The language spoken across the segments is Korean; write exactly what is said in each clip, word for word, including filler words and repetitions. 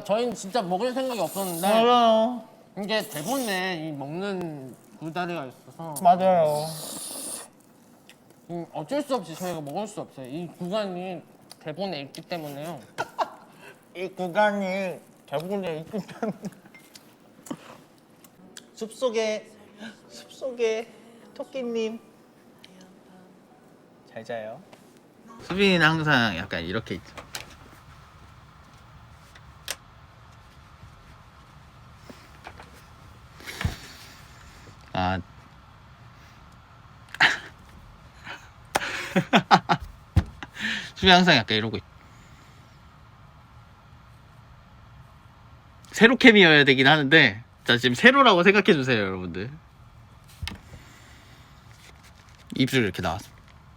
저희는 진짜 먹을 생각이 없었는데 맞아요. 이게 대본에 이 먹는 구다리가 있어서 맞아요. 음, 어쩔 수 없이 저희가 먹을 수 없어요. 이 구간이 대본에 있기 때문에요. 이 구간이 대본에 있기 때문에. 숲속에 숲속에 토끼님 잘 자요. 수빈이는 항상 약간 이렇게 있죠. 아 수빈이 항상 약간 이러고 있. 세로 캠이어야 되긴 하는데 자 지금 세로라고 생각해 주세요 여러분들. 입술 이렇게 나왔어.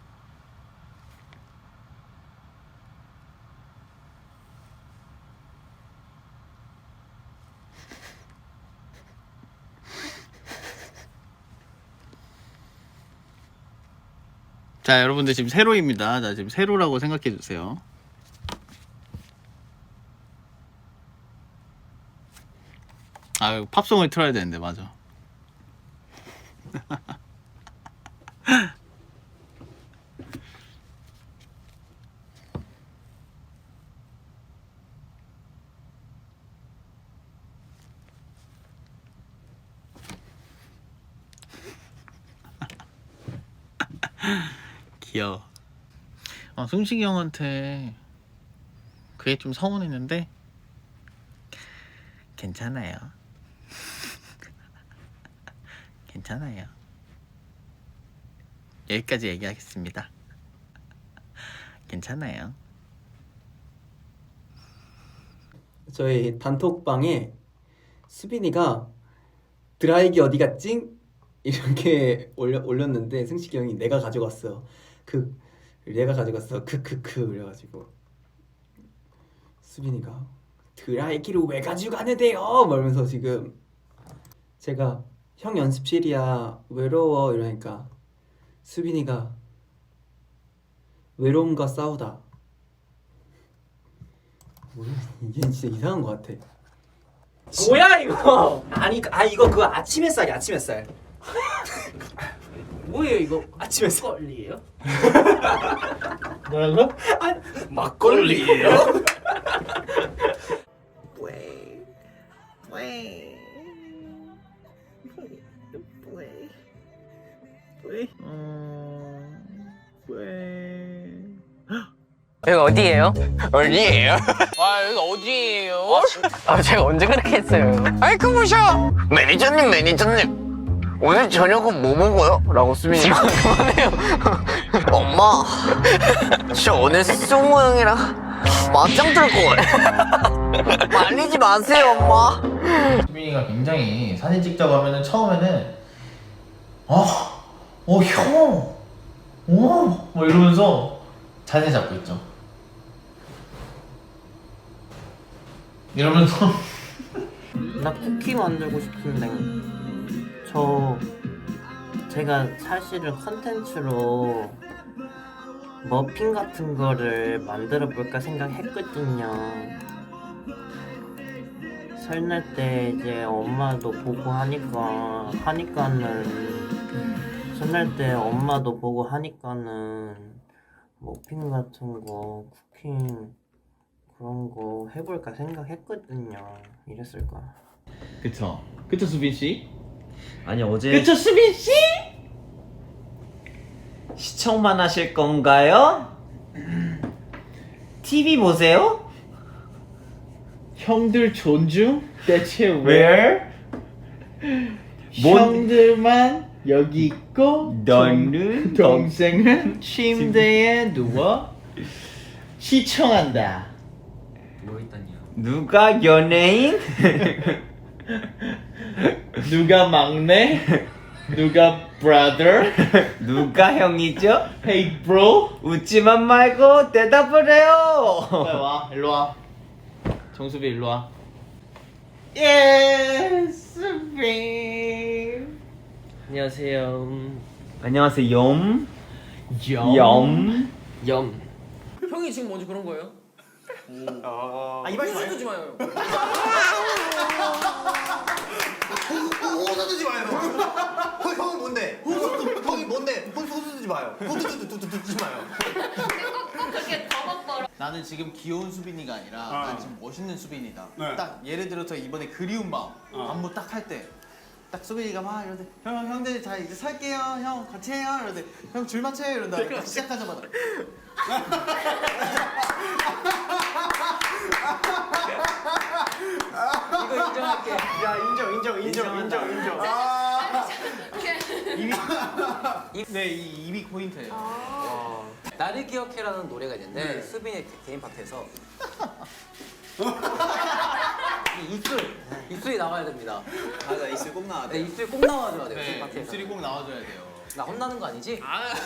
자 여러분들 지금 세로입니다. 자 지금 세로라고 생각해 주세요. 아 이거 팝송을 틀어야 되는데 맞아. 귀여워. 어, 승식이 형한테 그게 좀 서운했는데 괜찮아요. 괜찮아요. 여기까지 얘기하겠습니다. 괜찮아요. 저희 단톡방에 수빈이가 드라이기 어디 갔지? 이렇게 올려, 올렸는데 승식이 형이 내가 가져갔어. 그 내가 가져갔어. 크크크 그래가지고 수빈이가 드라이기를 왜 가져가는데요? 말면서 지금 제가 형 연습실이야 외로워 이러니까 수빈이가 외로움과 싸우다. 뭐야 이게 진짜 이상한 것 같아. 뭐야 이거? 아니 아 이거 그 아침 햇살이 아침 햇살. 뭐예요 이거? 아침 햇살. 막걸리예요? 뭐라고? 아 막걸리예요? 왜? 왜? 왜? 왜? 어... 왜? 여기 어디예요? 어디예요? 아 여기 어디예요? 아 제가 언제 그렇게 했어요? 아이고 보셔 매니저님 매니저님 오늘 저녁은 뭐 먹어요? 라고 수빈이가 그만해요. 엄마 저 오늘 승우 형이랑 맞짱 뜰 거예요. 말리지 마세요 엄마. 수빈이가 굉장히 사진 찍자고 하면은 처음에는 어, 어 형, 어, 뭐 이러면서 자세 잡고 있죠. 이러면서 나 쿠키 만들고 싶은데 저 제가 사실은 컨텐츠로 머핀 같은 거를 만들어 볼까 생각했거든요. 설날 때 이제 엄마도 보고 하니까 하니까는 설날 때 엄마도 보고 하니까는 머핀 같은 거 쿠킹 그런 거 해볼까 생각했거든요. 이랬을 거야. 그쵸, 그쵸 수빈 씨? 아니 어제 그쵸 수빈 씨? 시청만 하실 건가요? 티비 보세요? 형들 존중? 대체 Where? 형들만 여기 있고 너는 동, 동생은 침대에 누워 시청한다. 누가 연예인? 누가 막내? 누가 brother? 누가 형이죠? Hey bro? 웃지만 말고 대답을 해요. 빨리 와, 일로 와. 정수비 일로 와. Yes, 수빈. 안녕하세요. 안녕하세요. 염. 염. 염. 염. 형이 지금 먼저 그런 거예요? 아 이발 좀 주지 마요. 호수 두지 마요. 형 형이 뭔데? 호수 형이 뭔데? 호수 호수 두지 마요. 호수 두지 두지 마요. 꼭 그렇게 더벅거려. 나는 지금 귀여운 수빈이가 아니라 어. 난 지금 멋있는 수빈이다. 네. 딱 예를 들어서 이번에 그리운 마음 어. 안무 딱 할 때. 딱 수빈이가 막 이러는데 형 형들 자 이제 살게요 형 같이 해요 이러는데 형 줄 맞춰요 이런다 딱 시작하자마자 이거 인정할게. 야 인정 인정 인정 인정 인정. 네 이 입이 포인트예요. 나를 기억해라는 노래가 있는데 수빈의 개인 파트에서 이 입술 입술이 나와야 됩니다. 맞아 입술 꼭 나와야 네, 돼. 입술 꼭 나와줘야 돼요. 네 개인 파트에서. 입술이 꼭 나와줘야 돼요. 나 혼나는 거 아니지?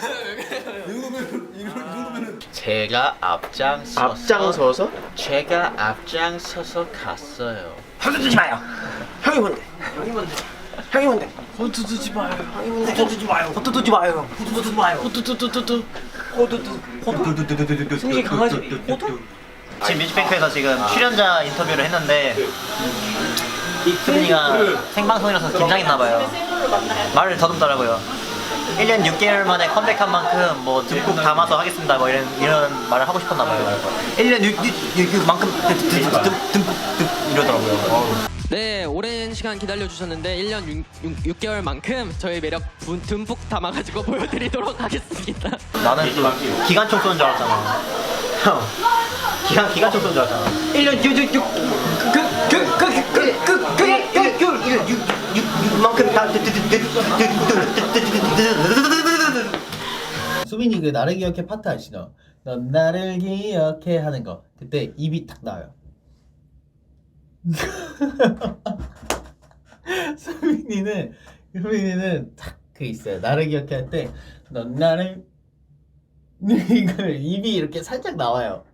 제가 앞장서서 앞장서서? 제가 앞장서서 갔어요. 호두 두지 마요. 형이 뭔데? 형이 뭔데? 형이 뭔데? 호두 두지 마요. 형이 뭔데? 호두 두지 마요. 호두 두지 마요. 호두 두지 마요. 호두 두두두두. 호두 두. 호두 두두두두두. 승리 강아지. 호두? 지금 뮤직뱅크에서 지금 출연자 인터뷰를 했는데 수빈이가 생방송이라서 긴장했나봐요. 말을 더듬더라고요. 일 년 육 개월 만에 컴백한 만큼 뭐 듬뿍 담아서 하겠습니다 뭐 이런 이런 말을 하고 싶었나봐요. 일 년 육 개월만큼 듬뿍 이러더라고요. 네, 오랜 시간 기다려주셨는데 일 년 육 개월만큼 저희 매력 분- 듬뿍 담아가지고 보여드리도록 하겠습니다. 나는 또 기관총 쏘는 줄 알았잖아. 형 기관 기관총 쏘는 줄 알았잖아. 일 년 육육육그그그그그그그그그그그만큼 다 수빈이 그 나를 기억해 파트 아시죠? 넌 나를 기억해 하는 거 그때 입이 탁 나와요. 수빈이는 수빈이는 딱 그 있어요. 나를 기억해 할 때 넌 나를 이걸 입이 이렇게 살짝 나와요.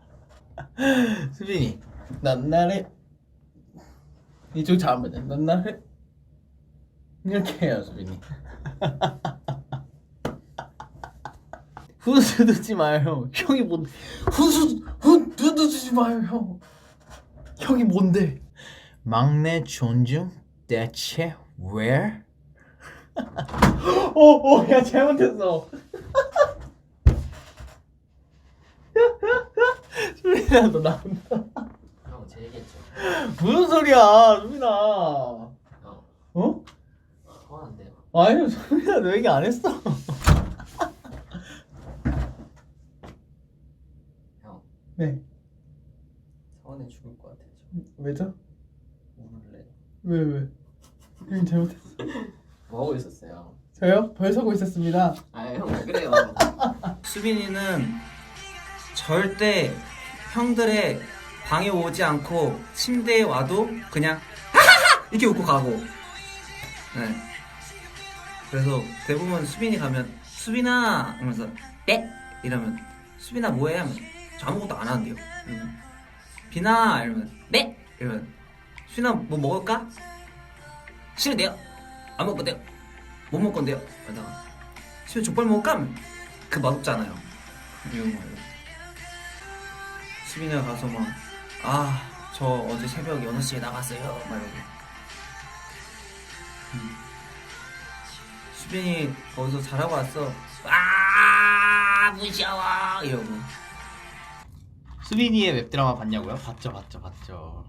수빈이 넌 나를 이쪽 잘하면 넌 나를 이렇게 해요 수빈이. 후수 두지 마요. 형이 뭔데? 후수 후 두지 마요 형. 형이 뭔데? 막내 존중 대체 where? 오오야 잘못했어. 수빈아 너 나온다. 형, 제 얘기했죠. 무슨 소리야 수빈아. 형, 어? 서운한데요. 아니 수빈아 너 얘기 안 했어. 형, 네. 서운해 죽을 것 같아요. 왜죠? 오늘래. 왜 왜? 형이 잘못했어. 뭐 하고 있었어요? 저요? 벌 서고 있었습니다. 아, 형 왜 그래요? 수빈이는 절대 형들의 방에 오지 않고 침대에 와도 그냥 하하하 이렇게 웃고 가고. 네. 그래서 대부분 수빈이 가면 수빈아 이러면서 네 이러면 수빈아 뭐해 하면 저 아무것도 안 하는데요. 이러면 비나 이러면 네 이러면 수빈아 뭐 먹을까? 싫은데요? 안 먹을 건데요? 못 먹을 건데요? 이러다가 수빈 족발 먹을까? 하면 그 맛없잖아요. 이런 거예요. 수빈이가 가서 막 아 저 어제 새벽 여섯 시에 나갔어요 막 이러고. 음. 수빈이 거기서 잘하고 왔어. 아 무시하와 이러고. 수빈이의 웹드라마 봤냐고요? 봤죠 봤죠 봤죠.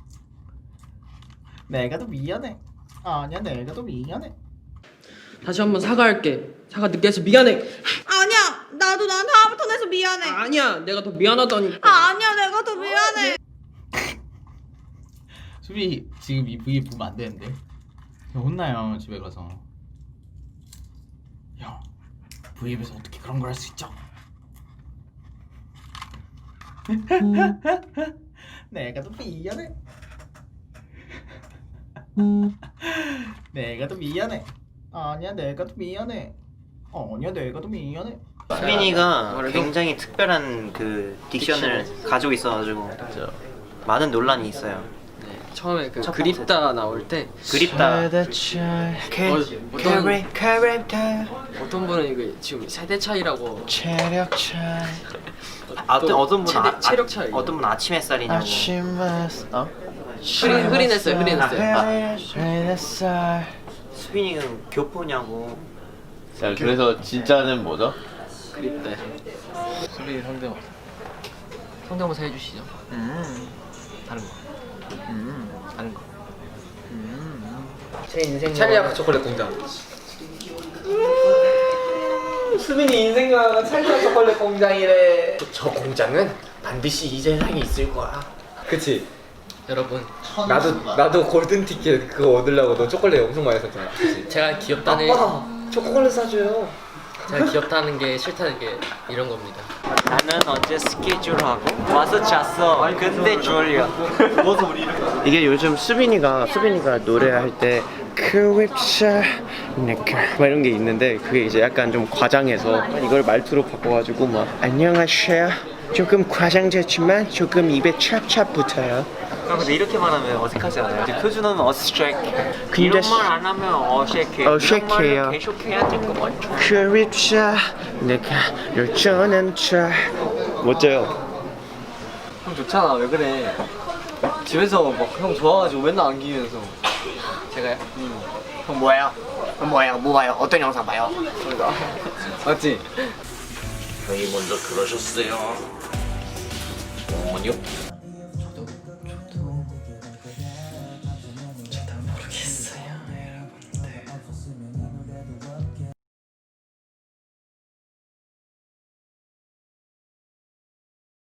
내가 더 미안해. 아니야 내가 더 미안해. 다시 한번 사과할게. 사과 늦게 해서 미안해. 아니야, 나도 나한테 화부터 내서 미안해. 아니야, 내가 더 미안하다니까. 아, 아니야, 내가 더 미안해. 수빈이 지금 이 브이 보면 안 되는데. 형 혼나요 집에 가서. 형 브이앱에서 어떻게 그런 걸 할 수 있죠? 내가 더 미안해. 내가 더 미안해. 아니야 내가 더 미안해. 아니야 내가 더 미안해. 수빈이가 굉장히 특별한 그 딕션을 가지고 있어가지고 많은 논란이 있어요. 처음에 그 그립다 나올 때 그립다. 어, 어떤 어떤 분은 이거 지금 세대 차이라고 체력 차이. 아, 어떤 어떤 분은 체대- 아, 체력 차이. 어떤 분은 아침 햇살이냐고. 아침 어? 흐린 흐린했어요 흐린했어요. 햇살. 수빈이는 교포냐고. 자, 그래서 진짜는 뭐죠? 그립다. 수빈이 성대모사. 성대모사 해주시죠. 음. 다른 거. 음. 다른 거. 제 인생 찰리아카 초콜릿 공장. 수빈이 인생과 찰리아 초콜릿 공장이래. 저 공장은 반드시 이 세상에 있을 거야. 그치? 여러분 나도 나도 골든 티켓 그거 얻으려고 너 초콜릿 엄청 많이 샀잖아. 그치? 제가 귀엽다는 아빠 초콜릿 사줘요. 제가 귀엽다는 게 싫다는 게 이런 겁니다. 나는 어제 스케줄하고 와서 잤어. 근데 졸려. 이게 요즘 수빈이가 수빈이가 노래할 때 크립샤 네크 막 이런 게 있는데 그게 이제 약간 좀 과장해서 이걸 말투로 바꿔가지고 막 안녕하세요 조금 과장됐지만 조금 입에 찹찹 붙어요. 아, 근데 이렇게 말하면 어색하지 않아요? 이제 표준어는 어색해. 근데 이런 시- 말 안 하면 어색해. 어색해요. 이런 말을 계속 해야 될 것 같죠. 크립샤 내가 열전한 차 멋져요. 형 좋잖아. 왜 그래? 집에서 막 형 좋아가지고 맨날 안기면서. 제가요? 형 뭐예요? 형 뭐예요? 뭐 봐요? 어떤 영상 봐요? 맞지? 형이 먼저 그러셨어요. 어머니요?